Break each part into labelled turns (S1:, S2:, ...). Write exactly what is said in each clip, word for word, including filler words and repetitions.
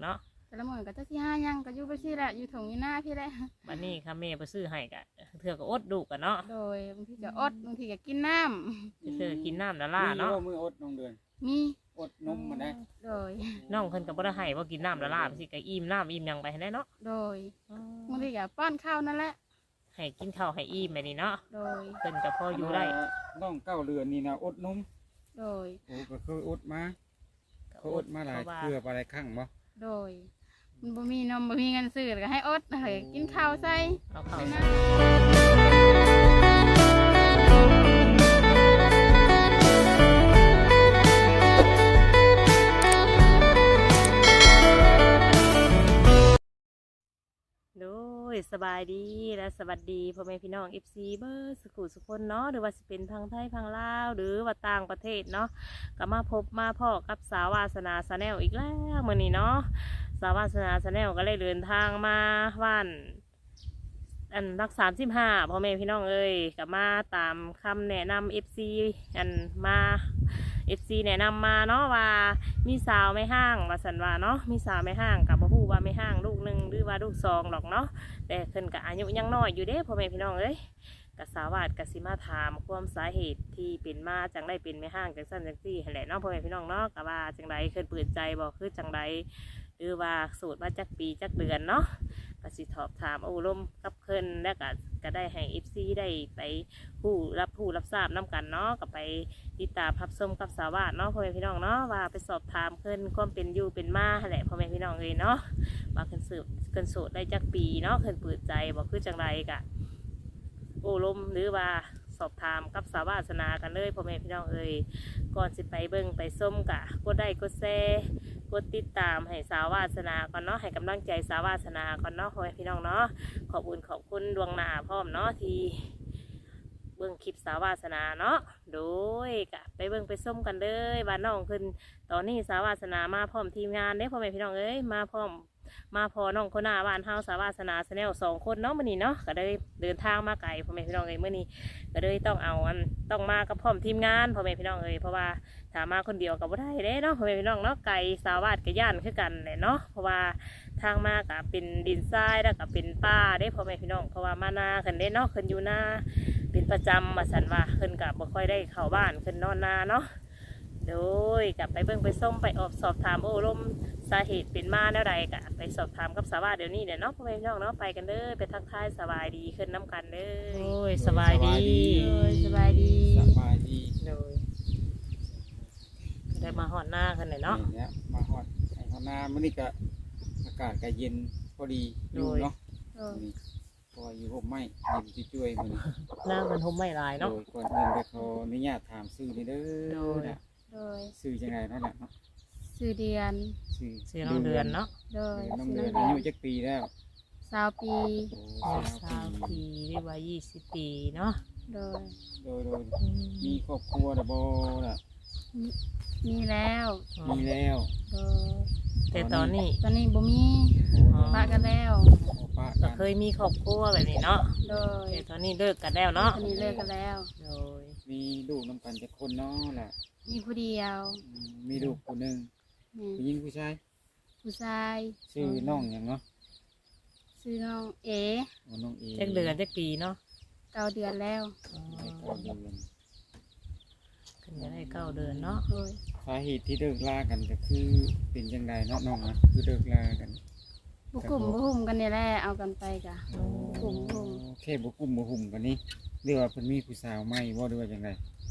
S1: เนาะ
S2: แต่ละมื้อก็จะสิหาหยังก็อยู่ไปซี่แหละอยู่ถงอยู่หน้าพี่แหละ
S1: บัดนี้ค่ะแม่ไปซื้อให้ก็เถื่อก็อดดูกันเนาะ
S2: โดยบางทีก็อดบางทีก็กินน้ำ
S1: เถื่อกินน้ำละล่า
S3: มี
S1: เนาะ
S3: มืออดน้องเดือน
S2: มี
S3: อดนมมาได้
S2: โดย
S1: น้องเพิ่นก็บ่ได้ให้ว่ากินน้ำละล่าสิก็อิ่มน้ำอิ่มหยังไปให้ได้เนาะ
S2: โดยบางทีก็ป้อนข้าวนั่นแหละ
S1: ให้กินข้าวให้อิ่มไปนี่เนาะ
S2: โดย
S1: เพิ่นก็พออยู่ได้
S3: น้องเก้าเรือนนี่นะอดนม
S2: โดย
S3: โอ้ก็เคยอดมา
S1: ก็
S3: เขาอดมาหลาย
S1: พระว่
S3: เพื่อไปหลายครั้งบ่
S2: โดยมันบ่มีนมบ่มีเงินซื้อก็ให้อดเลยกินข้าวใส่
S1: เอาข้าว
S2: ไป
S1: ใส่
S2: นะ
S1: โดยสบายดีและสวัสดีพ่อแม่พี่น้อง เอฟ ซี เบอร์สกุลสุคนเนาะหรือว่าสิเป็นพังไทยพังลาวหรือว่าต่างประเทศเนาะก็มาพบมาพ่อกับสาววาสนาชาแนลอีกแล้วมื้อนี้เนาะสาววาสนาชาแนลก็เลยเดินทางมาบ้านอันรักสามสิบห้าพ่อแม่พี่น้องเอ้ยก็มาตามคำแนะนำ เอฟ ซี อันมา เอฟ ซี แนะนำมาเนาะว่ามีสาวไม่ห้างว่าสันว่าเนาะมีสาวไม่ห้างกับบ่ฮู้ว่าไม่ห้างลูกหนึ่งหรือว่าลูกสองหรอกเนาะแต่เพิ่นก็อายุยังน้อยอยู่เด้พ่อแม่พี่น้องเอ้ยก็สาวาดก็สิมาถามความสาเหตุที่เป็นมาจังได้เป็นไม่ห้างจังซั่นจังซี่หั่นแหละเนาะพ่อแม่พี่น้องเนาะก็ว่าจังไดเคยเปิดใจบ่คือจังไดหรือว่าโสดมาจักปีจักเดือนเนาะก็สิสอบถามโอ้ลมกับเพิ่นแล้วก็ก็ได้ให้ เอฟ ซี ได้ไปผู้รับผู้รับทราบนํกันเนาะก็ไปติดตามพับส้มกับสาวาดเนาะพ่อแม่พี่น้องเนาะว่าไปสอบถามเพิ่นความเป็นอยู่เป็นมาหั่นแหละพ่อแม่พี่น้องเลยเนาะว่าเพิ่นสืบเพิ่นโสดได้จักปีเนาะเพิ่นเปิดใจบ่คือจังไดกะโอ้ลมหรือว่าสอบถามกับสาวาสนากันเลยพ่อแม่พี่น้องเอ้ยก่อนสิไปเบิ่งไปส้มกะกดได้กดแชร์กดติดตามให้สาวาสนาก่อนเนาะให้กำลังใจสาวาสนาก่อนเนาะพ่อแม่พี่น้องเนาะขอบคุณขอบคุณดวงหน้าพร้อมเนาะที่เบิ่งคลิปสาวาสนาเนาะโดยกะไปเบิ่งไปส้มกันเลยว่าน้องขึ้นตอนนี้สาวาสนามาพร้อมทีมงานเด้พ่อแม่พี่น้องเอ้ยมาพร้อมมาพอน้องคนหน้าบ้านเฮาสาวาสนาแนลสองคนเนาะมื้อนี้เนาะก็ได้เดินทางมาไกลพ่อแม่พี่น้องเอ้ยมื้อนี้ก็เลยต้องเอาอันต้องมากับพร้อมทีมงานพ่อแม่พี่น้องเอ้ยเพราะว่าถ้ามาคนเดียวก็บ่ได้เด้เนาะพ่อแม่พี่น้องเนาะไกลสาวาสกับย่านคือกันแหละเนาะเพราะว่าทางมาก็เป็นดินทรายแล้วก็เป็นป่าเด้พ่อแม่พี่น้องเพราะว่ามานาขึ้นเด้เนาะขึ้นอยู่นาเป็นประจำมาสันว่าขึ้นกับบ่ค่อยได้เข้าบ้านขึ้นนอนนาเนาะโดยกลับไปเบิ่งไปส้มไปออบสอบถามโอ้ลมสาเหตุเป็นมาแนวใดกะไปสอบถามกับสาวาเดี๋ยวนี้เดี๋ยวเนาะพ่อแม่พี่น้องเนาะไปกันเด้อไปทักทายสบายดีขึ้นน้ำกันเด้อโอ้ยสบายดี
S2: โดยสบายดี
S3: สบายดี
S1: โดยก็ได้มาหอดหน้ากันเลยเนาะ
S3: เนี่ยมาฮอดไอ้ฮอดนามื้อนี้ก็อากาศก็เย็นพอดีอยู่เนาะ
S2: โดย
S3: นี่พออยู่ห่มไม้เย็นช่วยๆมื้อนี้
S1: หน้ามันทุ่มไม่ลาย
S3: โด
S1: เนาะ
S3: ยก่อนอื่นก็ขออนุญาตถามชื่อนี่เด้
S1: โด
S3: อย นะ
S2: โดย
S3: ชื่อจังไดเนาะล่ะเนาะ
S2: ซื้อเดือน
S3: ชื่อ
S1: ชื่อน้องเดือนเนาะ
S2: โดย
S3: น้อง
S2: ซื้อ
S3: เดือน
S2: น้ำ
S3: อา
S2: เดือน
S3: ยุจักปีแล้ว
S2: สาวปี
S3: โอ้
S1: สาวปีหรือว่ายี่สิบปีเนาะ
S2: โดย
S3: โดยโดยมีครอบครัวแล้วบ่ล่ะ
S2: มีมีแล้ว
S3: มีแล้ว
S2: โดย
S1: แต่ตอนนี้
S2: ตอนนี้บ่มี
S1: อ๋อ
S2: ปะกันแล้ว
S3: ป้า
S1: ก็
S3: กัน
S1: เคยมีครอบครัวแบบนี้เนาะ
S2: โดย
S1: แต่ตอนนี้เลิกกันแล้วเนาะ
S2: ตอนนี้เลิกกันแล้ว
S1: โดย
S3: มีลูกน้ำกันจักคนเนาะล่ะ
S2: มีผู้เดียว
S3: อืมมีลูกคนหนึง
S2: นี่
S3: ผู้หญิงผู้ชาย
S2: ผู้ชาย
S3: ชื่อน้องหยังเนาะ
S2: ซื้อน้องเอ
S3: โอ้น้องเอ
S1: จักเดือนจักปีเนาะ
S2: เก้าเดือนแล้ว
S1: อ๋อ
S3: ได้เก้าเดือน
S1: เพิ่นจะได้เก้าเดือนเนาะ
S2: โดย
S3: สาเหตุที่เลิกลากันก็คือเป็นจังไดเนาะน้องนะคือเลิกลากัน
S2: บุกกลุ่มบุกหุ่มกันนี่แหละเอากันไปกะ กลุ่มกลุ่ม
S3: แค่บ่กลุ่มบ่หุ่มกันนี่เรียกว่าเพิ่นมีผู้สาวใหม่บ่หรือว่าจังได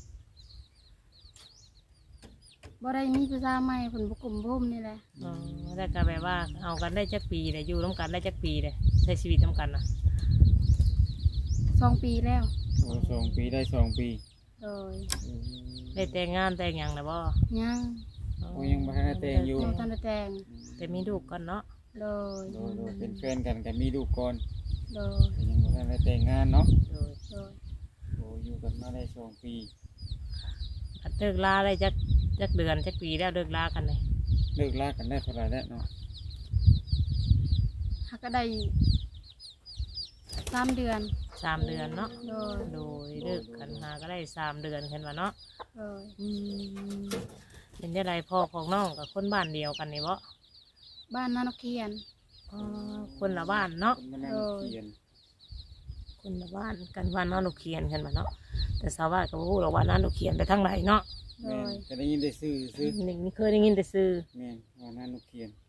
S2: บ่ได้มีผู้ชายใหม่ผลบุกกลุ่มบุกหุ่มนี่แหละ
S1: อ๋อแล้วก็แบบว่าเอากันได้จักปีเลยอยู่ร่วมกันได้จักปีเลยใช้ชีวิตร่วมกันนะ
S2: สองปีแล้ว
S3: โอ้สองปีได้สองปี
S2: โดย
S3: อืม
S1: ได้แต่งงานแต่งหยังนะบ่
S2: ยัง
S3: โอ้ยังบ่ทันได้แต่งอยู่
S2: ยังทันได้แต่ง
S1: แต่มีลูกก่อนเนาะ
S2: โดย
S3: โดยโดยเป็นแฟนกันก็มีลูกก่อน
S2: โดย
S3: แต่ยังบ่ทันได้แต่งงานเนาะ
S1: โดย
S2: โดย
S3: โอ้อยู่กันมาได้สองปี
S1: อัดเลิกลาได้จักจักเดือนจักปีแล้วเลิกลากันเลย
S3: เลิกลากันได้เท่าไหร่แล้วเนาะ
S2: หักก็ได้สามเดือน
S1: สามเดือนเนาะ
S2: โดย
S1: โดยเลิกกันหาก็ได้สามเดือนเห็นว่าเนาะ
S2: โดย
S1: อืมเป็นได้ไรพ่อของน้องกับคนบ้านเดียวกันนี่บ่
S2: บ้านนานกเคียน
S1: อ๋อคนละบ้านเนาะ
S3: คนมานั่งเขียน
S1: คนละบ้านกันว่านอนลูกเขียนกันมาเนาะแต่สาวบ้านก็บ่ฮู้หรอกว่านอนลูกเขียนไปทางไหนเนาะ
S2: โด
S3: แม่น
S2: ย
S3: จะได้ยินได้ซื้อซื้อ
S1: นี่นี่เคยได้ยินแต่ซื้อ
S3: แม่นว่านั่นลูกเขียน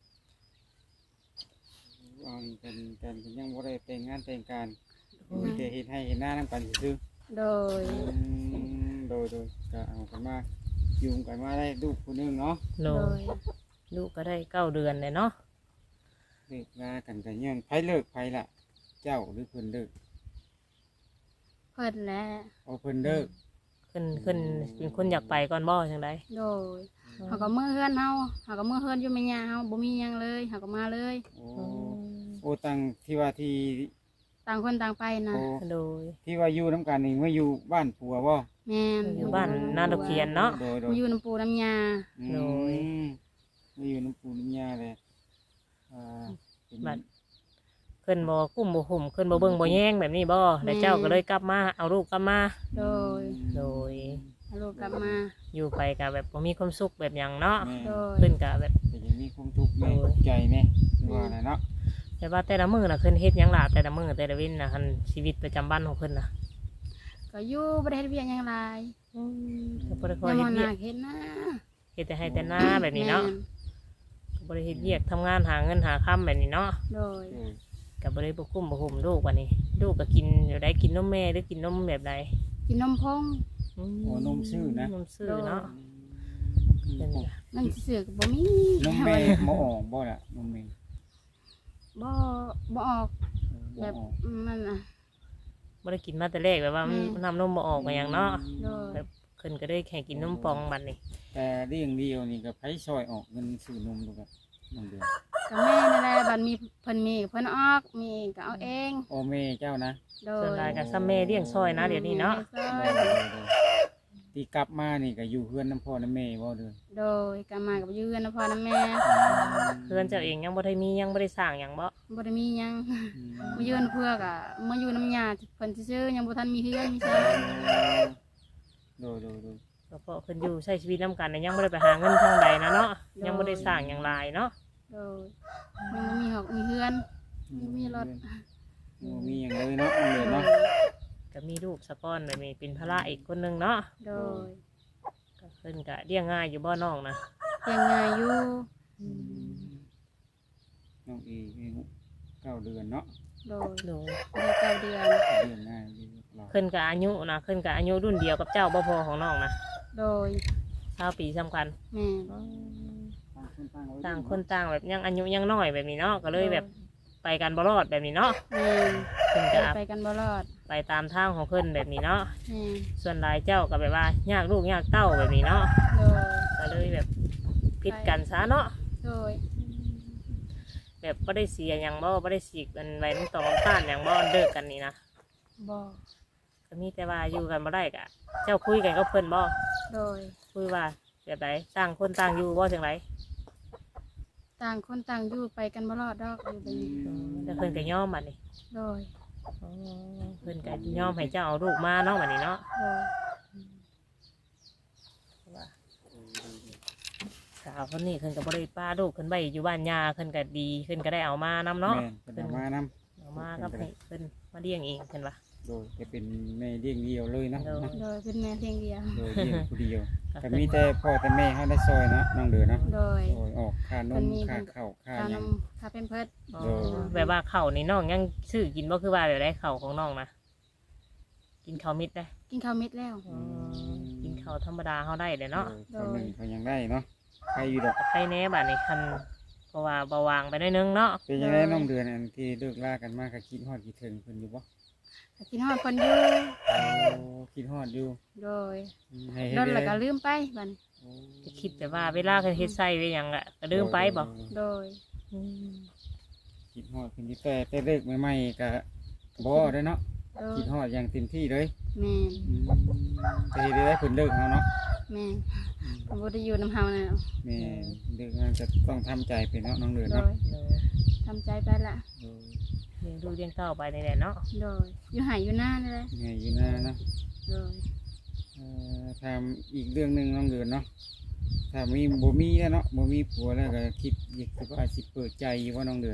S3: เอานี่กันกันก็ยังบ่ได้แต่งงานแต่งการมีแต่เฮ็ดให้เห็นหน้านำกันซื่อ
S2: โดย
S3: ๆอืมโดยโดยก็เอากันมาอยู่กันมาได้ลูกผู้หนึงเนาะ
S1: โล
S2: โดย
S1: ลูกก็ได้เก้าเดือนเลยเนาะ
S3: เลิกลากันก็ยังไผเลิกไผล่ะ เจ้าหรือเพิ่นเลิก
S2: เพิ่นแหละ
S3: เอาเพิ่นเลิก
S1: ขึ้นขึ้นเป็นคนอยากไปก่อนบ่จังได
S2: โดยเขาก็มือเฮือนเฮาเขาก็มือเฮือนอยู่ไม่ยาเฮาบ่มีหยังเลยเขาก็มาเลย
S3: โอ้โอ้ตังที่ว่าที่
S2: ต่างคนต่างไปนะ
S3: โอ้
S1: โดย
S3: ที่ว่าอยู่น้ำกันนี่เมื่ออยู่บ้านผัวบ่
S2: แม่น
S1: อยู่บ้านนาตะเคียนเนาะ
S3: โดยโด
S2: มาย อยู่น้ำปูน้ำยา
S3: อื
S1: โดย
S3: มเมื่ออยู่น้ำปูน้ำยาเลยอ่าเป็น
S1: บัดขึ้นบ่กุ้มบ่หุ่มขึ้นบ่เบิ่งบ่แย่งแบบนี้บ่แล้วเจ้าก็เลยกลับมาเอาลูกกลับมา
S2: โดย
S1: โดย
S2: เอาลูกกลับมา
S1: อยู่ไปก็แบบบ่มีความสุขแบบหยังเนาะ
S3: แม่
S2: โดย
S1: ขึ้นก็แบบ
S3: แต่ยังมีความทุกข์แม่
S1: โดย
S3: ทุกข์ใจแม่คือว่าน่ะเนาะ
S1: แต่ว่าแต่ละมื้อน่ะขึ้นเฮ็ดหยังล่ะแต่ละมื้อแต่ละวินน่ะคันชีวิตประจำวันของเพิ่นน่ะ
S2: ก็อยู่บ่ได้เฮ็ดเวียกหยังหลาย
S1: อืมก็บ่ได้คอย
S2: ยัง
S1: เฮ็
S2: บ่
S1: ดเวี
S2: น่าย
S1: ก
S2: เฮ็ดนะ
S1: เฮ็ดแต่ให้แต่หน้าแบบนี้เนาะ
S2: แม่
S1: ก็บ่ได้เฮ็ดเวียกทำงานหาเงินหาค่ำแบบนี้เนาะ
S2: โดย
S3: โดย
S1: ก็บ่ได้บ่คุ้มบ่หุ่มลูกวันนี้ลูกก็กินอยู่ได้กินนมแม่หรือกินนมแบบใด
S2: กินนมพง
S1: อื
S3: โอ้นมซื่อนะ
S1: นมซื่อเนาะ
S3: อืม
S1: เป็นไง
S2: เงินสิซื้อก็บ่มี
S3: นมแม่บ่ออกบ่ล่ะนมแม่
S2: บ่บ่ออก
S3: บ่
S2: แบบ
S3: ออก
S2: มันน่ะ
S1: บ่ได้กินมาแต่แรกแบบว่ามัน
S2: อืม
S1: น้ำนมบ่ออกมาหยังเนาะ
S2: โดย
S1: แบบขึ้นก็ได้แค่กินนมปองบัดนี้
S3: แต่เรื่องเดียวนี่ก็ไผซอยออกเงินซื้อนมดูกับนมเดือน
S2: ก็แม่นั่นแหละบัดมีเพิ่นมีเพิ่นออกมีก็เอาเอง
S3: โอแม่เจ้านะ
S2: โด
S1: ส่วนหลายก็ซ้ำแม่เลี้ยงซอยนะเดี๋ยวนี้เนาะ
S2: โด
S3: โด
S2: ย
S3: ยโดยโดยที่กลับมานี่ก็อยู่เพื่อนน้ำพ่อน้ำแม่บ่เด้อ
S2: โดยก็มากับอยู่กันนะพ่อนะแม่
S1: เพื่อนเจ้าเองยังบ่ได้มียังบ่ได้สร้างหยังบ่
S2: บ่ได้มีหยัง
S3: อืม
S2: มาอยู่กันเพื่อกะมาอยู่น้ำยาเพิ่นซื่อๆยังบ่ทันมีเฮือนมีซ่า
S3: โดยโดยโดย
S1: ก็เพราะเพิ่นอยู่ใช้ชีวิตนํกันน่ะยังบ่ได้ไปหาเงินทางใดนะเนาะยังบ่ได้สร้างหยังหลายเนาะ
S2: โดยยังบ่มีหอกมีเฮือน มีรถ
S3: บ่มีอย่างเลยเนาะเอาเลยเนาะ
S1: ก็มีลูกสะก้อนแบบนี้เป็นภาระอีกคนหนึงเนาะ
S2: โดย
S1: ก็เพิ่นก็เลี้ยงง่ายอยู่บ่น้องนะ
S2: เพียงง่ายอยู่
S3: น้องอีอายุเก้าเดือนเนาะ
S2: โดย
S1: โดย
S2: ได้เก้าเดือน
S3: เลี้ยงง่ายอยู่เรา
S1: เพิ่นก็อายุนะเพิ่นก็อายุรุ่นเดียวกับเจ้าบ่พอของน้องนะ
S2: โดย
S1: เท่าปีสำคัญ
S2: แม่
S3: ต่างคนต่างไว้
S1: ต่างคนต่างแบบยังอายุยังน้อยแบบนี้เนาะก็เลยแบบไปกันบ่รอดแบบนี้เนาะ
S2: แม่
S1: เพิ่นก็
S2: ไปกันบ่รอด
S1: ไปตามทางของเพิ่นแบบนี้เนาะ
S2: แม่
S1: ส่วนหลายเจ้าก็แบบว่ายากลูกยากเต้าแบบนี้เนาะ
S2: โดย
S1: ก็เลยแบบผิดกันซะเนาะ
S2: โดย
S1: แบบบ่ได้เสียหยังบ่บ่ได้สีกกันไว้ในตองน้ำตาลหยังบ่เลิกกันนี่นะ
S2: บ่
S1: ก็มีแต่ว่าอยู่กันบ่ได้กะเจ้าคุยกันกับเพิ่นบ่
S2: โดย
S1: คุยว่าแบบไหนต่างคนต่างอยู่บ่จังได
S2: ต่างคนต่างอยู่ไปกันบ่รอดดอกอยู่แบบนี้
S1: แต่เพิ่นก็ยอมบัดนี้
S2: โดย
S1: อ๋อเพิ่นก็ยอมให้เจ้าเอาลูกมาเนาะบัดนี้เนาะ
S2: โดย
S1: ว่าสาวคนนี้เพิ่นก็บ่ได้ป้าลูกเพิ่นไว้อยู่บ้านยาเพิ่นก็ดีเพิ่นก็ได้เอามานํเนาะ
S3: แม่นเป็นเอามานำ
S1: เอามากับให้เพิ่นมาเลี้ยงเองเพิ่นว่า
S3: โดยจะเป็นแม่เลี้ยงเดียวเลยเนาะ
S1: โดย
S2: โดยเป็นแม่เพียงเดียว
S3: โดยเลี้ยงผู้เดียวก็มีแต่พ่อแต่แม่เขาได้ซอยเนาะน้องเดือเนาะ
S2: โดย
S3: โดยออกค่านมค่าข้าวค่า
S2: ค่า
S3: ห
S2: น
S3: ยัง
S2: มค่าเป็นเพิด
S1: อ๋อ
S3: โดย
S1: แบบว่าข้าวนี่น้องยังซื้อกินบ่คือว่าแบบได้ข้าวของน้องนะกินข้าวมิดได้
S2: กินข้าวเม็ดแล้ว
S1: อ๋อกินข้าวธรรมดาเฮาได้เด้เนาะ
S3: โดยเขาหนึ่งเขายังได้เนาะใครอยู่ดอก
S1: ใครแหน่บัดนี้คันเพราะว่าเบาหวางไปหน่อยนึงเนาะ
S3: เป็นยังไงน้องเดือนอันที่เลิกลากันมากก็คิดฮอดคิดถึงเพิ่นอยู่บ่
S2: กินฮอดเพิ่นอยู่
S3: โอ้คิดฮอดอยู่
S2: โดย
S3: อืมให้
S2: โด
S3: เฮ็ด
S2: นแล้วก็
S3: ได้
S2: ลืมไปบัดนี้
S3: โอ้
S1: จะคิดแต่ว่าเวลาเพิ่นเฮ็ดไส้ไว้หยังอะก็ลืมไปบ่
S2: โดย
S1: อืม
S3: คิดฮอดเพิ่นอยู่แต่แต่เลิกใหม่ๆก็บ่ได้เนาะ
S2: โดย
S3: คิดฮอดอย่างเต็มที่เลย
S2: แม่น
S3: อืมแต่เฮ็ดได้เพิ่นเลิกเฮาเนาะ
S2: แม่นบ่ได้อยู่นำเฮาแล้ว
S3: แม่เลิกงานก็ต้องทำใจไปเนาะน้องเดือน
S2: โด
S3: เนาะ
S2: ย
S1: เออ
S2: ทำใจไปละ
S3: โดย
S1: เลี้ยงดูกเลี้ยงเต้าไปนี่แหละเนาะ
S2: โดยอยู่หายอยู่หน้านี่แหละ
S3: ไงอยู่หน้าเนาะ
S2: โดย
S3: เอ่อทำอีกเรื่องหนึงน้องเดือนเนาะถ้ามีบ่มีแล้วเนาะบ่มีผัวแล้วก็คิดอยากว่าสิเปิดใจอยู่ว่าน้องเดือน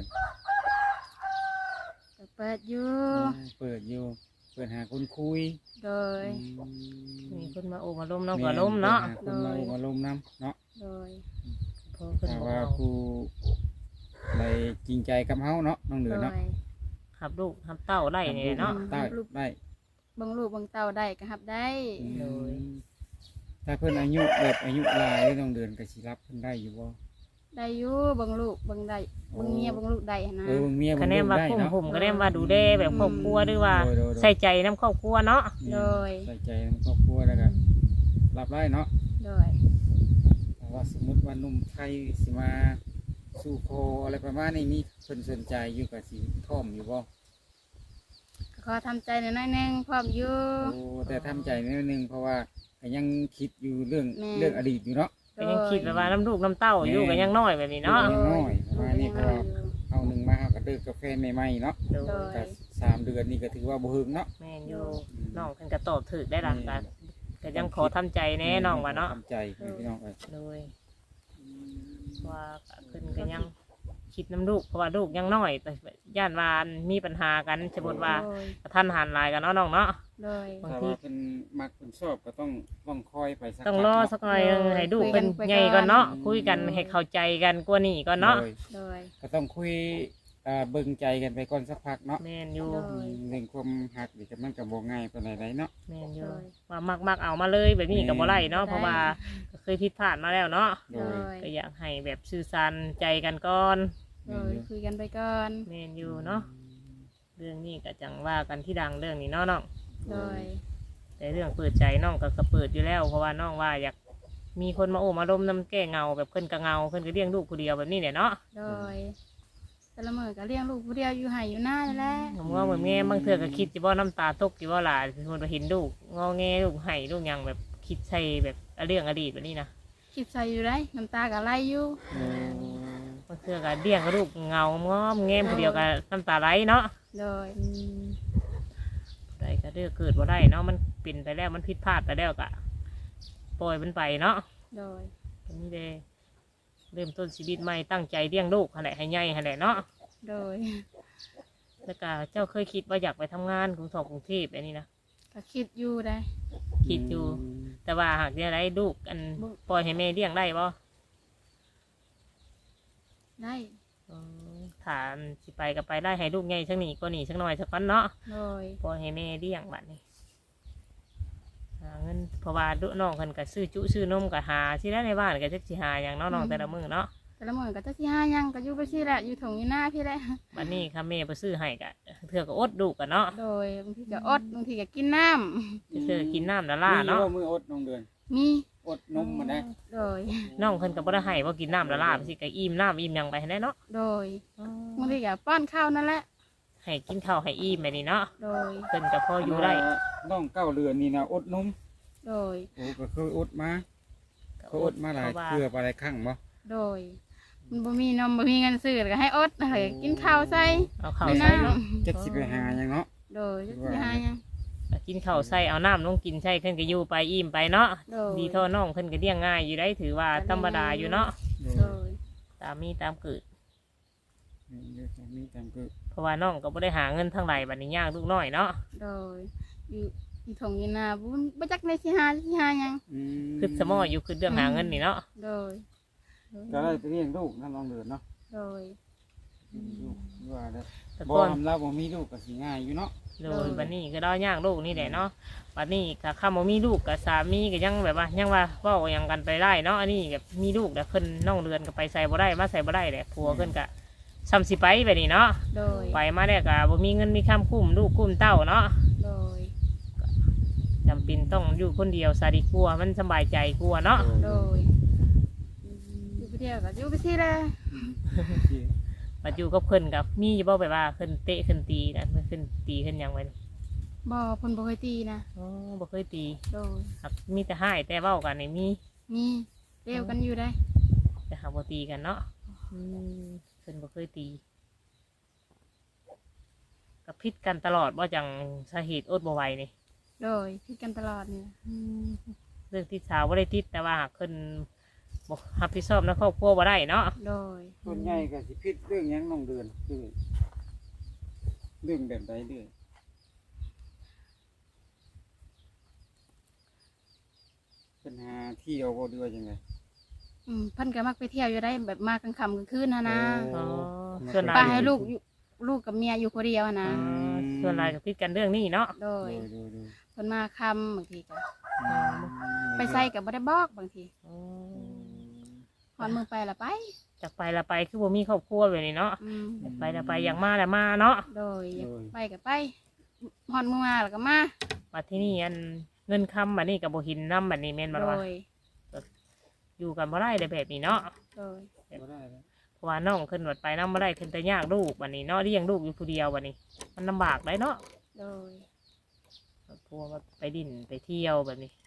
S2: ก็เปิดอยู่
S3: เปิดอยู่เปิดหาคนคุย
S2: โดย
S1: มีคนมาโอ้มาล้มน้องก็ล้มเนาะ
S3: หคนมาโอ้มาล้มน้ำเนาะ
S2: โดย
S1: พอเพิ่น
S3: ถ้า
S1: บ่
S3: ว่า
S1: เอา
S3: ผู้ใดจริงใจกับเฮาเนาะน้องเดื
S2: โด
S3: อนเนาะ
S2: ย
S1: หับลูกหับเต้าได้นี่เนาะ
S3: ได้ได้
S2: เบิ่งลูกเบิ่งเต้าได้ก็รับได้
S1: โดย
S3: ถ้าเพิ่นอายุแบบอายุหลายน้องเดือนก็สิรับเพิ่นได้อยู่บ่
S2: ได้อยู่เบิ่งลูกเบิ่งได้เบิ่งเมียเบิ่งลูกได้หั้นนะ
S3: เออเบิ่งเมีย
S1: คะ
S3: เบิ่ง
S1: แน
S3: ลู
S1: น
S3: ก
S1: ว่า
S3: ได้
S1: คุ้ม
S3: เนาะ
S1: ผมก็แนนว่าดูแลแบบครอบครัวหรือว่า
S3: โดยโดยโดย
S1: ใส่ใจน้ำครอบครัวเนาะ
S2: โดย
S3: ใส่ใจในครอบครัวแล้วก็รับได้เนาะ
S2: โดย
S3: แต่ว่าสมมุติว่าหนุ่มไทยสิมาสู่โคอะไรประมาณนี้มีเพิ่นสนใจอยู่กับสิพร้อมอยู่บ่
S2: ขอทำใจหน่อยหน่อยหนึงพร้อมอยู่
S3: โอ้แต่ทำใจนิดนึงเพราะว่าก็ยังคิดอยู่เรื่อง
S2: แม่
S3: เรื่องอดีตอยู่เนาะ
S1: ก็ยังคิดแบบว่าน้ำลูกน้ำเต้าอยู่ก็ยังน้อยแบบนี้เนาะ
S3: ยังน้อยประมาณนี้เพราะว่าเอาหนึ่งมาเอาก็เลิกกาแฟใหม่ๆเนาะ
S1: โด
S2: โด
S1: ย
S2: ย
S3: ก็สามเดือนนี่ก็ถือว่าบ่หึงเนาะ
S1: แม่นอยู่น้องเพิ่นก็ตอบถูกได้หลังกันก็ยังขอทำใจแน่น้องว่าเนาะ
S3: ทำใจพี่น้องเอ้ย
S1: โดยว่าเพิ่นก็ยังคิดน้ำลูกเพราะว่าลูกยังน้อยแต่ย่านวานมีปัญหากันสมมติว่า
S2: โดย
S1: ท่านหันหลายกันเนาะน้องเนาะ
S2: โดย
S1: บาง
S3: ถ้า
S1: ที
S3: ว่าเพิ่นมักเพิ่นชอบก็ต้องต้องคอยไปสัก
S1: ต้อง
S3: พั
S1: รอ
S3: เนาะ
S1: สักหน่อยหนึ่ง
S2: โดย
S1: ให้ลูก
S2: คุยกั
S1: เป็น น
S2: ไป
S1: ใหญ่ก่อนเนาะ
S2: ก่อน
S1: คุยกันให้เข้าใจกันกว่านี้ก่อนเนาะ
S3: โดย
S2: โดย
S3: ก็ต้องคุยอ่าเบิ่งใจกันไปก่อนสักพักเนาะ
S1: แม่นอยู่
S2: โดย
S3: เรื่องความหักนี่ก็มันก็บ่ง่ายปานใดๆเนาะ
S1: แม่นอ
S2: โด
S1: ยู่
S2: ย
S1: ว่ามักมักเอามาเลยแบบนี้กับบ่ไรเนาะ
S2: ได้
S1: เพราะว่าก็เคยผิดพลาดมาแล้วเนาะ
S3: โด
S2: โด
S3: ย
S2: ย
S1: ก็อยากให้แบบสื่อสารใจกันก่อน
S2: โดยคุยกันไปก่อน
S1: แม่นอยู่เนาะเรื่องนี้ก็จังว่ากันที่ดังเรื่องนี้เนาะน้อง
S2: โดย
S1: แต่เรื่องเปิดใจน้องก็ก็เปิดอยู่แล้วเพราะว่าน้องว่าอยากมีคนมาโอ้มาล้มน้ำแก้เงาแบบเพิ่นก็เงาเพิ่นก็เลี้ยงลูกคนเดียวแบบนี้เนี่ยเนาะ
S2: โดยแต่ละมื้อก็เลี้ยงลูกผู้เดียวอยู่ไห้อยู่หน้านี่แหละ
S1: ผมว่าเหมือนแง่บางเทื่อก็คิดจิว่าน้ำตาตกจิว่าหลานสมมติว่าเห็นลูกงอแงลูกไห้ลูกหยังแบบคิดใส่แบบเรื่องอดีตแบบนี้นะ
S2: คิดใส่อยู่ได้น้ำตาก็ไหลอยู่
S1: บางเทื่อก็เลี้ยงลูกเงางอมแง่คนเดียวก็น้ำตาไหลเนาะ
S2: โดย
S1: ได้ก็เรื่องเกิดว่าได้เนาะมันเป็นไปแล้วมันผิดพลาดไปแล้วก็ปล่อยมันไปเนาะ
S2: โดย
S1: อันนี้เลยเริ่มต้นชีวิตใหม่ตั้งใจเลี้ยงลูกอะไรให้ใหญ่อะไรเนาะ
S2: โดย
S1: แล้วก็เจ้าเคยคิดว่าอยากไปทำงานกรุงทองกรุงเทพแบบนี้นะ
S2: ก็คิดอยู่ได้
S1: คิดอยู่ แต่ว่าหากเนี่ยได้ลูกอันปล่อยให้แม่เลี้ยงได้บ่
S2: ได้
S1: อืมถามสิไปก็ไปได้ให้ลูกใหญ่สักหนีก็หนีสักหน่อยสักก้อนเนาะ
S2: โดย
S1: ปล่อยให้แม่เลี้ยงบัดนี้หาเงินเพราะว่าลูกน้องเพิ่นก็ซื้อจุซื้อนมก็หาที่ได้ในบ้านก็จักสิหาอย่างเนาะน้องแต่ละมื้อเนาะ
S2: แต่ละมื้อก็จะสิหาหยังก็อยู่ไปสิแหละอยู่ถงอยู่หน้าพี่แหละ
S1: บัดนี้ค่ะแม่ไปซื้อให้ก็เถื่อก็อดลูกกันเนาะ
S2: โดยบางทีก็อดบางทีก็กินน้ำ
S1: เถื่อกินน้ำละล่า
S3: มีอยู่
S1: เนาะ
S3: ว่ามืออดน้องเดือน
S2: มี
S3: อดนมมาได้
S2: โดย
S1: น้องเพิ่นก็บ่ได้ให้ว่ากินน้ำละล่าไปสิก็อิ่มน้ำอิ่มหยังไปให้ได้เนาะ
S2: โดยบางทีก็ป้อนข้าวนั่นแหละ
S1: ให้กินข้าวให้อิ่มแบบนี้เนาะ
S2: โดย
S1: เพิ่นก็พออยู่ได้
S3: น้องเก้าเรือนนี่นะอดนม
S2: โดย
S3: โอ้ก็เคยอดมาเคยอดมาหลาย
S1: พระว่
S3: เทื่อหลายครั้งบ่
S2: โดยมันบ่มีนมบ่มีเงินซื้อก็ให้อดเลยกินข้าวใส่
S1: เอาข้าว
S2: ไม่
S1: ใส่
S2: น้
S1: เนาะ
S3: จักสิไปหาหยังเนาะ
S2: ำโดยจะสิหาหยัง
S1: กินข้าวใส่เอาน้ำลงกินใส่เพิ่นก็อยู่ไปอิ่มไปเนาะ
S2: โดย
S1: ดีเท่าน้องเพิ่นก็เลี้ยงง่ายอยู่ได้ถือว่าธรรมดาอยู่เนาะ
S2: โดย
S1: ตามมีตามเกิด
S3: เดี๋ยวจะมีตามคือ
S1: เพราะว่าน้องก็บ่ได้หาเงินทางไหนบัดนี้ยากลูกน้อยเนาะ
S2: โดยอยู่อยู่ถงอยู่นาบุญบ่จักในสิหาสิหาหยัง
S3: อืม
S1: คือสมออยู่คือเรื่องหาเงินนี่เนาะ
S2: โดย
S3: ก็ได้ไปเลี้ยงลูกนั่นน้องเดือนเนาะ
S2: โดย
S3: ลูกว่าได้
S1: แต่
S3: บ่
S1: ก่อน
S3: ทำเราบ่มีลูกก็สิง่ายอยู่เนาะ
S1: โดยบัดนี้ก็ได้ยากลูกนี่แหละเนาะบัดนี้ก็ข้าบ่มีลูกกับสามีก็ยังแบบว่ายังว่าเว้าหยังกันไปได้เนาะอันนี้แบบมีลูกแต่เพิ่นน้องเรือนก็ไปใส่บ่ได้มาใส่บ่ได้แหละผัวเพิ่นก็ซ้ำสิไปแบบนี้เนาะ
S2: โดย
S1: ไปมาแล้วก็บ่มีเงินมีค้ำคุ้มลูกคุ้มเต้าเนาะ
S2: โดย
S1: จำเป็นต้องอยู่คนเดียวซะดีกว่ามันสบายใจกว่าเนาะ
S2: โดยอยู่ไปเที่ยวก็อยู่ไปสิแหละ
S1: ปัจจุกับเพิ่นกับมีอยู่บ่แบบว่าเพิ่นเตะเพิ่นตีนะเพิ่นขึ้นตีขึ้นหยังไว้นี่
S2: บ่เพิ่นบ่เคยตีนะ
S1: อ๋อบ่เคยตี
S2: โดย
S1: ครับมีแต่ให้แต่เว้ากันนี่มี
S2: มีเลี้ยวกันอยู่ได้
S1: แต่หาบ่ตีกันเนาะอืมเพิ่นบ่เคยตีกับพิษกันตลอดว่าจังสาเหตุอดบ่ไหวนี่
S2: โดยคิดกันตลอดนี่
S1: เรื่องที่สาวบ่ได้ติดแต่ว่าหากเพิ่นบ่รับผิดชอบในครอบครัวบ่ได้เนาะ
S2: โดย
S3: ส่วนใหญ่ก็สิผิดเรื่องหยังน้องเดือนเรื่องเรื่องแบบใดเรื่องปัญหาเที่ยวบ่ดีว่าจังได
S2: อืมเพิ่นก็มักไปเที่ยวอยู่ได้แบบมากลางค่ำกลางคืนนะนะ
S1: อ๋อส่วนหลา
S2: ป้าย ให้ลูกอยู่ลูกกับเมียอยู่คนเดียวนะ
S1: อ๋อส่วนหลายก็คิดกันเรื่องนี้เนาะ
S2: โดย
S3: โดยโดย
S2: เพิ่นมาค่ำบางทีก็
S3: อืม
S2: ไปใส่กับบ่ได้บอกบางที
S1: อ๋อ
S2: ฮอนมือไปละไป
S1: จากไปละไปคือบ่มีครอบครัวแบบนี้เนาะ
S2: อืม
S1: อยากไปละไปอย่างมาละมาเนาะ
S2: โดยอยากไปกับไปฮอนมือมาแล้วก็มา
S1: มาที่นี่อันเงินคำบัดนี้กับบ่หินน้ำบัดนี้แม่นบ่
S2: โด
S1: ล่ะ
S2: ย
S1: อยู่กันบ่ได้เลยแบบนี้เนาะ
S2: โดย
S3: บ่ได้แล้ว
S1: เพราะว่าน้องขึ้นรถไปน้ำบ่ได้ขึ้นแต่ยากลูกบัดนี้เนาะเลี้ยงลูกอยู่ผู้เดียวบัดนี้ มันลำบากได้เนาะ
S2: โดย
S1: กลัวว่าไปดินไปเที่ยวแบบนี้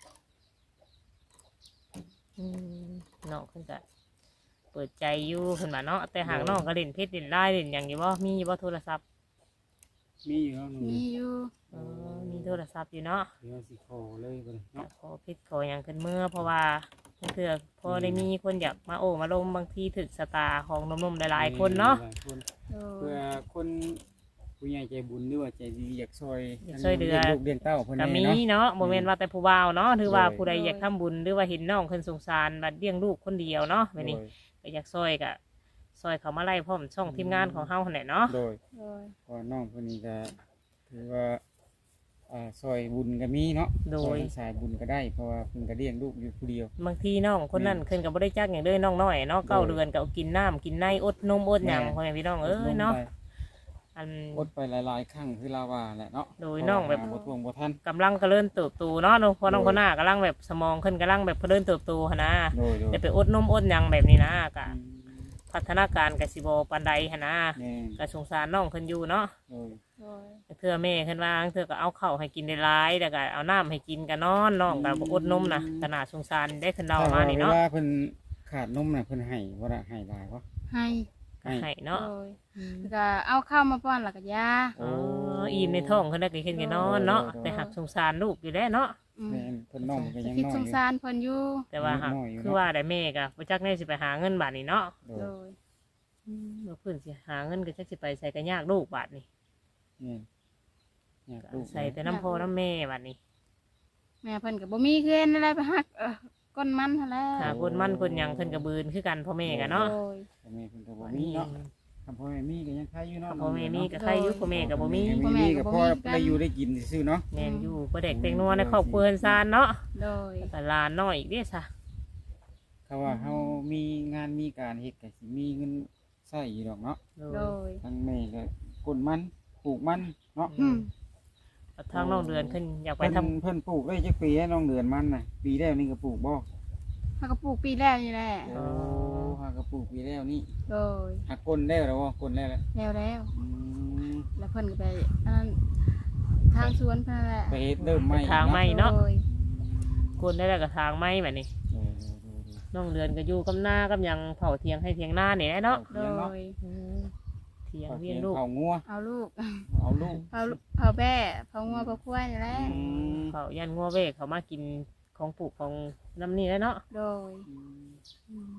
S1: อืมน้องขึ้นก็เปิดใจอยู่ขึ้นมาเนาะแต่หากน้องก็เล่นเพชรเล่นไล่เล่นอย่างอยู่บ่มีอยู่บ่โทรศัพท์
S3: มีอยู่แล้วหนู
S2: มีอยู่
S1: เออมีโทรศัพท์อยู่เนาะ
S3: เดี๋ยวสิขอเลยบ่ได้เนาะ
S1: ขอเพชรขออย่างขึ้นเมื่อเพราะว่าเพื่อพอได้มีคนอยากมาโอ้มาลมบางทีถึกสตาร์ของหนมๆหลายๆคนเนาะ
S3: หลายคน
S2: โด
S3: เพื่อย คนผู้ใหญ่ใจบุญหรือว่าใจดีอยากช่วย
S1: อยากช่วยเหลือ
S3: ลี้งลูกเลี้ยงเต้าเพิ่น
S1: ก็
S3: แน่
S1: มี
S3: เนาะ
S1: เนาะโมเมนต์ว่าแต่ผู้บ่าวเนาะหรือว่า
S3: โดย
S1: ผู้ใดอยากทำบุญหรือว่าเห็นน้องคนสงสารบัดเลี้ยงลูกคนเดียวเนาะแบบนี้
S3: โดย
S1: ก็อยากซอยก็ซอยเขามาไล่พร้อมช่องทีมงานของเฮาหั่นแหละเนาะ
S3: โดย
S2: โดย
S3: เพราะน้องคนนี้ก็ถือว่าอ่าซอยบุญก็มีเนาะ
S1: โดย
S3: ซอสายบุญก็ได้เพราะว่าเพิ่นก็เลี้ยงลูกอยู่ผู้เดียว
S1: บางทีน้องคนนั้นขึ้นกับบ่ได้จักอย่างเด้อน้องน้อยเนาะเก้า
S3: โดย
S1: เดือนก็เอากินน้ำกินในอดนมอดหยัง
S3: แม่
S1: พ่อแม่พี่น้องเอ้ยเนาะอัน
S3: อดไปหลายๆครั้งคือลาว่าแหละเนาะ
S1: โดยน้องแบบ
S3: เพราะว่าหาบ่ทวงบ่ทัน
S1: กำลังก็เริ่มเติบโตเนาะน้องพอน้อง
S3: โดย
S1: คนหน้ากำลังแบบสมองขึ้นกำลังแบบเริ่มเติบโตหั้นนะ
S3: โดยโดย
S1: จะไปอดนมอดหยังแบบนี้นะกะ
S3: อืม
S1: พัฒนาการกสิบปานใดหั้นนะ
S3: แม่น
S1: ก็สงสารน้องขึ้นอยู่เนาะ
S3: โดย
S2: โดย
S1: เทื่อแม่ขึ้นว่าเทื่อก็เอาข้าวให้กินได้หลายแล้วก็เอาน้ำให้กินก็นอนน้องก็บ่อดนมนะขนาดสงสารได้ขึ้นเรามานี่เนาะ
S3: ถ้ว่เวลเพิ่นขาดนมน่ะเพิ่นให้บ่ได้ให้หลายบ่
S2: ให้
S1: ก็ให้เนาะ
S2: โดยแล้วก็เอาข้าวมาป้อนแล้วก็ยา
S1: อ๋ออิ่มในท้องขึ้นได้ก็ขึ้นก็นอนเนาะแต่หักสงสารลูกอยู่แล้วเนาะ
S2: อืม
S3: แม่นเพิ่นน้องมันก็ยัง
S2: คิด
S3: น้อย
S2: ส
S3: อง ยู่
S2: สารเพิ่นอยู่
S1: แต่ว่าหัก
S3: น้อยอยู่เนาะ
S1: คือว่าได้แม่ก็บ่จักแน่สิไปหาเงินบาทนี่เนาะ
S3: โด
S2: โด
S3: ย
S2: ย
S1: เมื่อเพิ่นสิหาเงินก็จักสิไปใส่ก็ยากลูกบาทนี่
S3: แม่นอยากลูก
S1: ใส่แต่น้ำพ่อน้ำแม่บาทนี่
S2: แม่เพิ่นก็บ่มีเงินอะไรไปหักเออก้นมันหั่นแหละ
S1: หาคนมั่นคนหยังขึ้นกับบืนคือกันพ่อแม่กันเนาะ
S2: โดย
S3: พ่อแม่เพิ่นก็บ่มีเนาะคำพ่อแม่มีก็ยังใครอยู่เนาะ
S1: พ่อแม่มีก็ใครอยุพ่อแม่กับบ่มี
S3: พ่อแม่ก็พอได้อยู่ได้กินซื่อๆเนาะ
S1: แม่นอยู่ก็เด็กเต็งนัวในครอบครัวเฮือนซานเนาะ
S2: โดย
S1: แต่หลานน้อยอีกเด้ซะ
S3: เขาว่าเฮามีงานมีการเฮ็ดก็สิมีเงินใช้อยู่ดอกเนาะ
S2: โดย
S3: ทั้งแม่ก็กดมันปลูกมันเนาะ
S2: อืม
S1: ทางน้องเดือนขึ้นอยากไป
S3: เพิ่น
S1: ทำ
S3: เพิ่นปลูกได้จักปีแล้วน้องเดือนมันน่ะปีแล้วนี่ก็ปลูกบ่
S2: เฮาก็ปลูกปีแล้วนี่แหละ
S3: โอ้หาก็ปลูกปีแล้วนี่
S2: โดย
S3: หักก้นแล้วแล้วบ่ก้นแล้วแหละ
S2: แล้วแล้ว
S3: อืม
S2: แล้วเพิ่นก็ไปอันนั้นทางสวนเพิ่นนั่นแหละ
S3: ไปเฮ็ดเริ่มใหม่
S1: ทางไม่เนาะ
S2: โดย
S1: กนได้แล้วก็ทางไม่แบบนี้
S3: โดยโดยโดยโดย
S1: น้องเดือนก็อยู่กับหน้ากับหยังเผาเทียงให้เทียงหน้านี่แหละเนาะ
S2: โดย
S1: อืมเทียง
S3: เอา
S1: เวี
S3: เลี้
S1: ย
S3: ย
S1: น
S3: ง
S1: ลูก
S3: เอางัว
S2: เอาลูก
S3: เอาลูก
S2: เผาเผาแบ่เผางัวเผาควายนี่แหละ
S3: อืม
S1: เผายันงัวเวกเขามากินของปลูกของน้ำนี่แหล้วเนาะ
S2: โดย
S3: อืม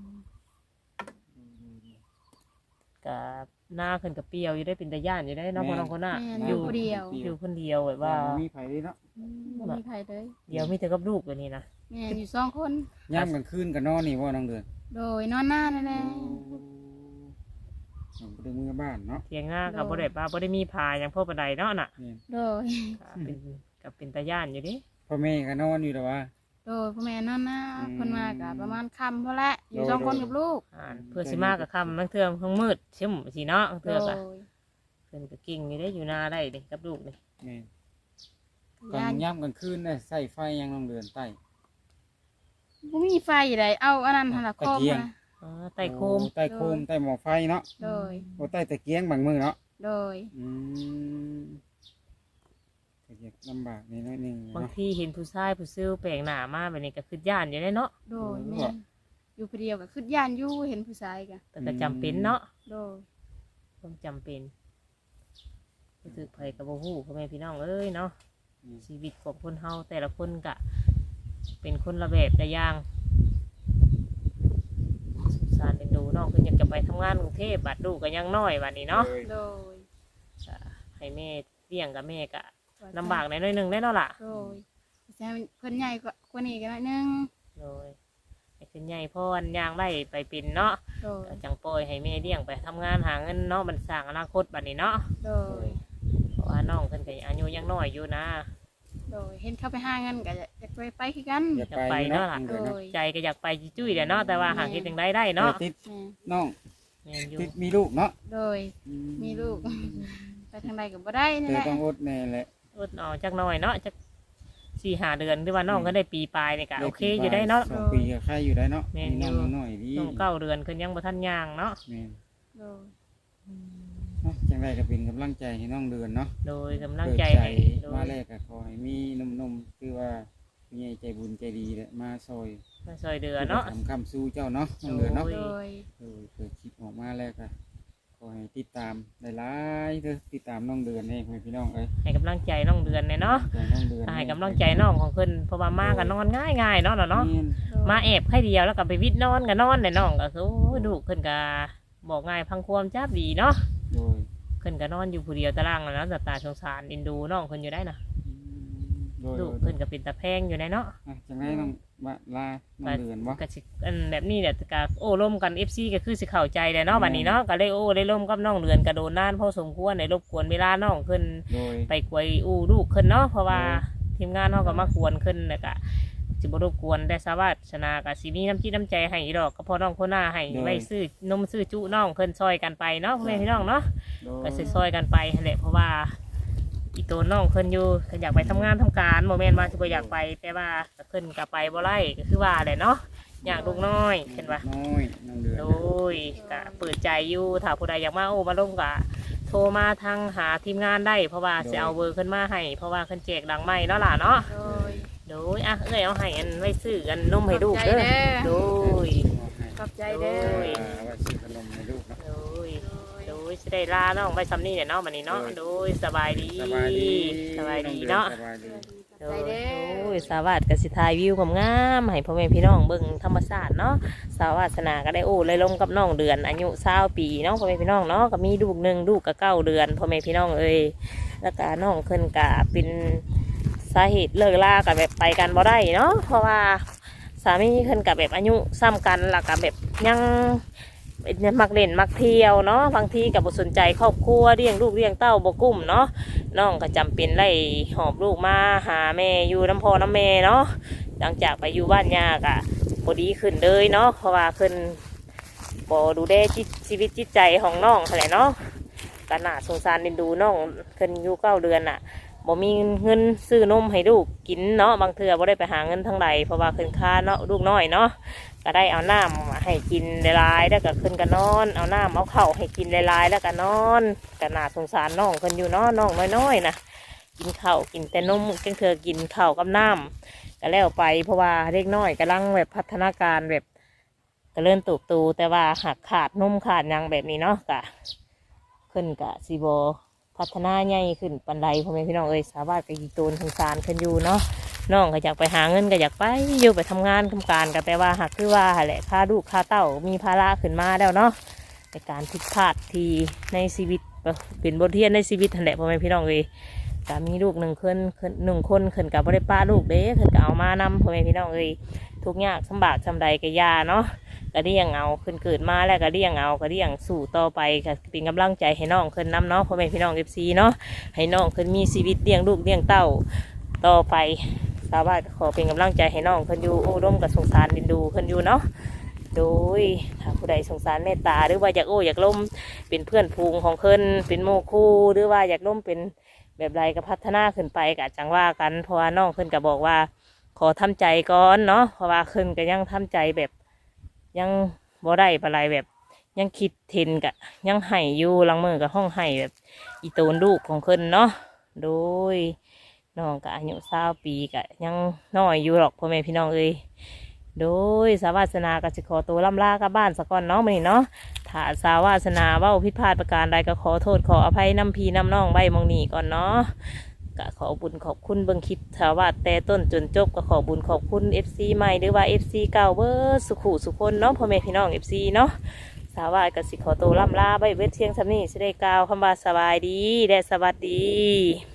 S1: กับหน้าขึ้นกับเปรียวอยู่ได้เป็นตาย่านอยู่ได้เนาะพ่อน้องคนน่ะ
S2: แม่น
S1: อ
S2: อยู่ ยู่ผู้เดียว
S1: อยู่คนเดียวแบบว่า
S3: มีไผเลยเนาะ
S2: บ่มีไผเลย
S1: เดี๋ยวมีแต่กับลูกอยู่นี่นะ
S2: แม่อยู่สองคน
S3: ยามกลางคืนก็นอนนี่บ่น้องเดือน
S2: โดยนอนหน้านั่นแหละ
S3: ผมไปดูมือบ้านเนาะ
S1: เทียงหน้ากับบ่ได้ป้าบ่ได้มีพาอย่างพ่อปานใดเนาะน่ะ
S3: นี่
S2: โดย
S1: ก็เป็นกับเป็นตาย่านอยู่ดิ
S3: พ่อแม่ก็นอนอยู่แต่ว่า
S2: โดยพ่อแม่นอนหน้า
S3: อืม
S2: เพิ่นมาก็ประมาณค่ำพอละอยู่สองคนกับลูก
S1: อ่านเพื่อสิมากับคำบางเทื่อทั้งมืดชิมสิเนาะบาง
S2: โด
S1: เทื่อย ก็เพิ่นก็กิ่งนี่ได้อยู่นาได้เด้กับลูกนี่
S3: นี่กลา
S2: ย่าง น
S3: ย่ำกลางคืนน่ะใส่ไฟยังน้องเดือนใต้
S2: บ่มีไฟใดเอาอันนั้นหั่นล่ะ
S3: ตะ
S2: โคม
S3: เกียง
S2: นะ
S1: อ๋อไต่โคม
S3: อ้ใต้โคมใต้หม้อไฟเนาะ
S2: โดย
S3: โอ้ใต้ตะเกียงบางมือเนาะ
S2: โดย
S3: อืมก็อยากลำบากนิดหน่อยหนึง
S1: บาง
S3: เนาะ
S1: ทีเห็นผู้ชายผู้ซื้อแปลงหน้ามาแบบนี้ก็คือย่านอยู่ได้เนาะ
S2: โดย
S3: โดย
S2: แม่นอยู่ผู้เดียวก็คือย่านอยู่เห็นผู้ชายก็
S1: แต่ก็จำเป็นเนาะ
S2: โดย
S1: ต้องจำเป็นรู้สึกไผกับบ่ฮู้พ่อแม่พี่น้องเอ้ยเนาะ
S3: อืม
S1: ชีวิตของคนเฮาแต่ละคนก็เป็นคนละแบบละอย่างน้องเพิ่นอยากจะไปทำงานกรุงเทพบัดลูกก็ยังน้อยบัดนี้เนาะ
S3: โดย
S2: โดย
S1: ก็ให้แม่เลี้ยงกับแม่ก็ลำบากหน่อยๆหนึงแน่เนาะล่ะ
S2: โดยแต่เพิ่นใหญ่กว่ากว่านี้ก็หน่อยนึง
S1: โดยให้ขึ้นใหญ่พ่อนย่างไร่ไปเป็นเนาะ
S2: โดย
S1: ก็จังปล่อยให้แม่เลี้ยงไปทำงานหาเงินเนาะมันสร้างอนาคตบัดนี้เนาะ
S2: โดย
S1: เพราะว่าน้องเพิ่นก็อายุยังน้อยอยู่นะ
S2: โดยเห็นเขาไปหาเงินก็จะจะไปไปคือกัน
S3: อยาก
S1: อยาก
S3: ไป
S1: ไป
S3: เนาะ
S1: เนาะล่ะ
S3: น้องเดือนเนาะ
S2: โดย
S1: ใจก็อยากไปจุ้ยๆแหละเนาะแต่ว่าหาเฮ็ดจังไดได้เนาะ
S3: แต่ติด
S2: แม่
S3: น้อง
S1: แม่นอยู่
S3: ติดมีลูกเนาะ
S2: โดยมีลูก ไปทางใดก็บ่ได้นี่
S3: เธอ
S2: แหละ
S3: ต้องอดแน่แหละ
S1: อดเอาจักหน่อยเนาะจักสี่ห้าเดือนหรือว่าน้องก็ได้ปีปลายนี่ก็โอเคอยู่ได้เนาะ
S3: สองปีก็ใครอยู่ได้เนาะ
S1: แม่น
S3: มี
S1: อยู่
S3: น้องยังน้อยดี
S1: น้องเก้าเดือนขึ้นยังบ่ทันย่างเนาะ
S3: แม่น
S2: โดย
S3: เนาะจังไรก็เป็นกำลังใจให้น้องเดือนเนาะ
S1: โดยกำลังใจ
S3: เปิด
S1: ให้โด
S3: มาย แรกก็ขอให้มีหนุ่มๆคือว่ามีใจบุญใจดีแหละมาซอย
S1: มาซอยเดือเนาะ
S3: ทำคำสู้เจ้าเนาะน้องเดือนเนาะ
S1: โอ้
S2: โดย
S3: เออเปิดคลิปออกมาแล้วก็ขอให้ติดตามหลายๆเด้อติดตามน้องเดือนเองพี่น้องเอ้ย
S1: ให้กำลังใจน้องเดือนเนี่ยเนาะ
S3: ใจน้องเดือน
S1: ให้กำลังใจน้องของเพิ่นเพราะว่ามากันนอนง่ายๆเนาะเนาะเนาะ
S3: แม่น
S1: มาแอบแค่เดียวแล้วก็ไปวิดนอนกันนอนเนี่ยน้องก็คือโอ้ยลูกเพิ่นก็บอกง่ายพังความจับดีเนาะ
S3: โดย
S1: เพิ่นก็นอนอยู่ผู้เดียวตารางแล้วนะตาสงสารเอ็นดูน้องเพิ่นอยู่ได้นะ
S3: โดย
S1: ลูกเพิ่นก็เป็นตาแพงอยู่ในเนาะ
S3: อ่ะจังไรน้องว่าลาน้องเดือนบ่
S1: ก็สิอันแบบนี้เนี่ยก็โอ้ร่มกัน เอฟ ซี ก็คือสิเข้าใจแหละเนาะบัดนี้เนาะก็เลยโอ้ได้ร่มกับน้องเดือนก็โดนนานพอสมควรในรบกวนเวลาน้องขึ้น
S3: โดย
S1: ไปกวยอู้ลูกขึ้นเนาะเพราะว่า
S3: เออ
S1: ทีมงานเฮาก็มากวนขึ้นแล้วก็สิบ่รบกวนได้สวัสดิ์ชนะก็สิมีน้ำจิตน้ำใจให้ดอกก็พอน้องคนหน้าให้ไว้ซื้อนมซื้อจุน้องขึ้นซอยกันไปเนาะพ่อแม่พี่น้องเนาะ
S3: โดย
S1: ก็สิซอยกันไปหั่นแหละเพราะว่าอีตัวน้องขึ้นอยู่ก็อยากไปทำงานทำการโมเมนต์ว่าสิบ่อยากไปแต่ว่าก็ขึ้นก็ไปบ่ไล่ก็คือว่าแหละเนาะอยากลูกน้อยเห็นว่า
S3: น้อยน้องเดือน
S1: โดยก็เปิดใจอยู่ถ้าผู้ใดอยากมาโอ้มาลงก็โทรมาทางหาทีมงานได้เพราะว่าจะเอาเบอร์ขึ้นมาให้เพราะว่าขึ้นแจกดังไม่เนาะล่ะเนาะ
S2: โดย
S1: โดยอ่ะเอ้ยเอาให้อันไว้ซื้อกันนมให้ลูกเด้อ
S2: ขอบใจเด้อ
S1: โดย
S2: ขอบใจเด้อ
S1: โดย
S3: อ่าว่าซื้อขนมให้ลูกเนาะ
S1: โดยโดยสิได้ลาน้องไปซ้ำนี่เนี่ยเนาะบัดนี้เนาะ
S3: โดย
S1: โดยสบายดี
S3: สบายดี
S1: สบายดี
S3: องดือ
S1: เนาะ
S3: สบายดี
S2: ขอบใจเด้อ
S1: โอ้ยสวัสดิ์กสิทายวิวงามๆให้พ่อแม่พี่น้องเบิ่งธรรมชาติเนาะสาวาสนาก็ได้โอ้เลยลงกับน้องเดือนอายุเศร้าปีเนาะพ่อแม่พี่น้องเนาะก็มีลูกหนึ่งลูกก็เก้าเดือนพ่อแม่พี่น้องเอ้ยแล้วก็น้องขึ้นกะเป็นสาเหตุเลิกลากับแบบไปกันบ่ได้เนาะเพราะว่าสามีขึ้นกับแบบอายุซ้ำกันแล้วก็แบบยังมักเล่นมักเที่ยวเนาะบางทีกับ่สนใจครอบครัวเลี้ยงลูกเลี้ยงเต้าบ่กุ้มเนาะ น้องก็จำเป็นไล่หอบลูกมาหาแม่อยู่น้ำพ่อน้ำแม่เนาะหลังจากไปอยู่บ้านยากอะพอดีขึ้นเลยเนาะเพราะว่าขึ้นบอดูแลจิตชีวิตจิตใจของน้องอะไรเนาะก็น่าสงสารเดินดูน้องขึ้นอยู่เก้าเดือนอะบ่มีเงินซื้อนมให้ลูกกินเนาะบางเทื่อบ่ได้ไปหาเงินทั้งใดเพราะว่าขึ้นค่าเนาะลูกน้อยเนาะก็ได้เอาน้ำให้กินหลายๆแล้วก็ขึ้นก็นอนเอาน้ำเอาข้าวให้กินหลายๆแล้วก็นอนก็น่าสงสารน้องขึ้นอยู่เนาะน้องน้อยๆนะกินข้าวกินแต่นมจังเธอกินข้าวกับน้ำก็แล้วไปเพราะว่าเด็กน้อยกำลังแบบพัฒนาการแบบก็เริ่มตูบตูแต่ว่าหักขาดนมขาดหยังแบบนี้เนาะกะขึ้นกะซีโบพัฒนาใหญ่ขึ้นปันไดพ่อแม่พี่น้องเอ้ยสาวาสกับยีตูนสงสารขึ้นอยู่เนาะน้องก็อยากไปหาเงินก็อยากไปอยู่ไปทำงานทำการก็แต่ว่าหากคือว่าแหละค่าลูกค่าเต้ามีภาระขึ้นมาแล้วเนาะในการผิดพลาดที่ในชีวิตเป็นบทเรียนในชีวิตนั่นแหละพ่อแม่พี่น้องเอ้ยก็มีลูกหนึ่งคนหนึ่งคนขึ้นกับบริป้าลูกเด้ขึ้นก็เอามานำพ่อแม่พี่น้องเอ้ยทุกอย่างลำบากลำใดก็ยาเนาะก็เลี้ยงเอาขึ้นเกิดมาแล้วก็เลี้ยงเอาก็เลี้ยงสู่ต่อไปก็เป็นกำลังใจให้น้องขึ้นนำเนาะพ่อแม่พี่น้องเอฟซีเนาะให้น้องขึ้นมีชีวิตเลี้ยงลูกเลี้ยงเต้าต่อไปสาวบ้านก็ขอเป็นกำลังใจให้น้องขึ้นอยู่โอ้ร่มกับสงสารดินดูขึ้นอยู่เนาะโดยถ้าผู้ใดสงสารเมตตาหรือว่าอยากโอ้อยากล้มเป็นเพื่อนพูงของขึ้นเป็นโมคู่หรือว่าอยากล้มเป็นแบบไรก็พัฒนาขึ้นไปกะจังว่ากันเพราะว่าน้องขึ้นก็บอกว่าขอทำใจก่อนเนาะเพราะว่าขึ้นก็ยังทำใจแบบยังบ่ได้ปะไรแบบยังคิดเทนกะยังไห้อยู่หลังมือกับห้องไห้แบบอีโตนลูกของขึ้นเนาะโดยน้องกะอายุเศร้าปีกะยังน้อยอยู่หรอกพ่อแม่พี่น้องเอ้ยโดยสาวาสนากสิขอตัวล่ำลากลับบ้านสักก่อนเนาะมื้อนี้เนาะถ้าสาวาสนาเว้าผิดพลาดประการใดก็ขอโทษขออภัยน้ำพีน้ำน้องใบมองนีก่อนเนาะก็ขอบุญขอบคุณเบิ่งคลิปสาวาสแต่ต้นจนจบก็ขอบุญขอบคุณ เอฟ ซี ใหม่หรือว่า เอฟ ซี เก่าเบอร์สุขุสุคนเนาะพ่อแม่พี่น้อง เอฟ ซี เนาะสาวายกับสิขอตัวล่ำลาใบเวทเทียงสำนีสิได้กล่าวคำว่าสบายดีและสวัสดี